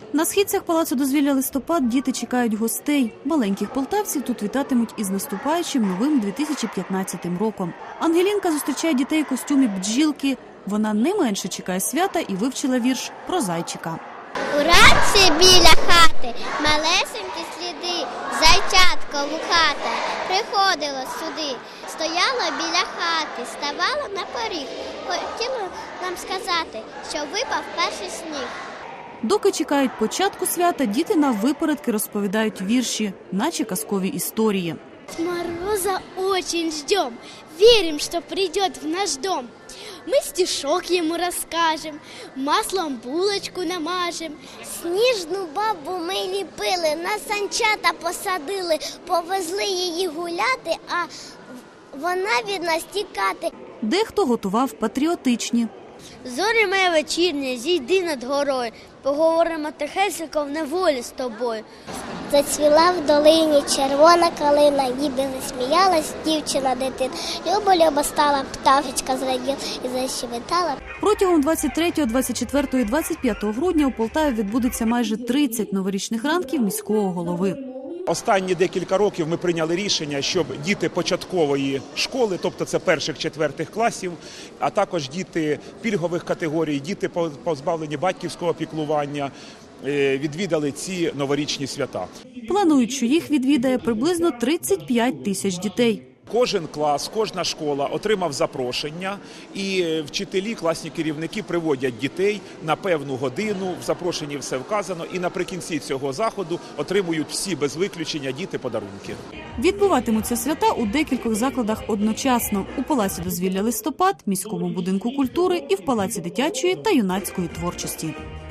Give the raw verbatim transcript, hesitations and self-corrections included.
На східцях Палацу дозвілля «Листопад» діти чекають гостей. Маленьких полтавців тут вітатимуть із наступаючим новим дві тисячі п'ятнадцятим роком. Ангелінка зустрічає дітей у костюмі бджілки. Вона не менше чекає свята і вивчила вірш про зайчика. Уранці біля хати малесенькі сліди, зайчатко вухате приходило сюди. Стояло біля хати, ставало на поріг. Хотіло нам сказати, що випав перший сніг. Доки чекають початку свята, діти наввипередки розповідають вірші, наче казкові історії. С мороза очень ждем, верим, что придет в наш дом. Мы стишок ему расскажем, маслом булочку намажем. Сніжну бабу ми ліпили, на санчата посадили, повезли її гуляти, а вона від нас тікати. Дехто готував патріотичні. Зорі моє вечірнє, зійди над горою, поговоримо тихесенько в неволі з тобою. Зацвіла в долині червона калина, ніби засміялась дівчина дитина. Люба-люба стала, пташечка зраділа і защебетала. Протягом двадцять третього, двадцять четвертого і двадцять п'ятого грудня у Полтаві відбудеться майже тридцять новорічних ранків міського голови. Останні декілька років ми прийняли рішення, щоб діти початкової школи, тобто це перших-четвертих класів, а також діти пільгових категорій, діти позбавлені батьківського піклування, відвідали ці новорічні свята. Планують, що їх відвідає приблизно тридцять п'ять тисяч дітей. Кожен клас, кожна школа отримав запрошення, і вчителі, класні керівники приводять дітей на певну годину, в запрошенні все вказано, і наприкінці цього заходу отримують всі без виключення діти подарунки. Відбуватимуться свята у декількох закладах одночасно – у Палаці дозвілля «Листопад», міському будинку культури і в Палаці дитячої та юнацької творчості.